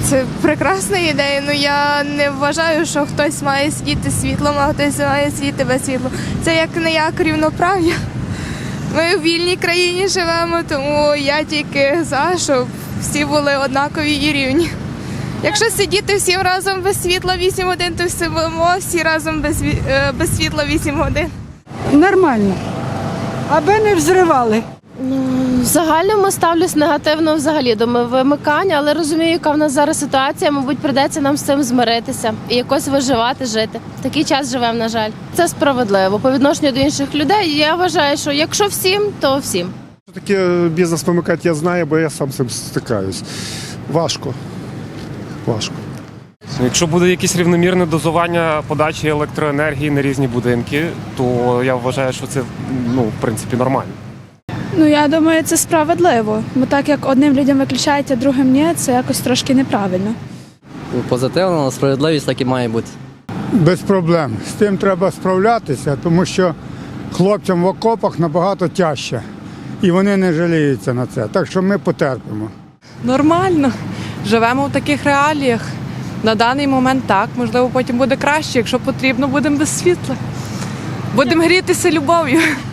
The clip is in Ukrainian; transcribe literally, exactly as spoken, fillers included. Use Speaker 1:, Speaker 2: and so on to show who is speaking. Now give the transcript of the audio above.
Speaker 1: Це прекрасна ідея, але я не вважаю, що хтось має сидіти з світлом, а хтось має сидіти без світла. Це як не як рівноправ'я. Ми в вільній країні живемо, тому я тільки за, щоб всі були однакові і рівні. Якщо сидіти всім разом без світла вісім годин, то сидимо всі разом без, без світла вісім годин.
Speaker 2: Нормально, аби не взривали.
Speaker 3: В загальному ставлюсь негативно взагалі до вимикання, але розумію, яка в нас зараз ситуація, мабуть, прийдеться нам з цим змиритися і якось виживати, жити. В такий час живемо, на жаль. Це справедливо. По відношенню до інших людей я вважаю, що якщо всім, то всім.
Speaker 4: Таке бізнес вимикати я знаю, бо я сам з цим стикаюсь. Важко. Важко.
Speaker 5: Якщо буде якесь рівномірне дозування подачі електроенергії на різні будинки, то я вважаю, що це, ну, в принципі, нормально.
Speaker 6: Ну, я думаю, це справедливо. Бо так як одним людям виключають, а другим ні, це якось трошки неправильно.
Speaker 7: Позитивно, справедливість так і має бути.
Speaker 8: Без проблем. З тим треба справлятися, тому що хлопцям в окопах набагато тяжче. І вони не жаліються на це. Так що ми потерпимо.
Speaker 9: Нормально. Живемо в таких реаліях. На даний момент так. Можливо, потім буде краще. Якщо потрібно, будемо без світла. Будемо грітися любов'ю.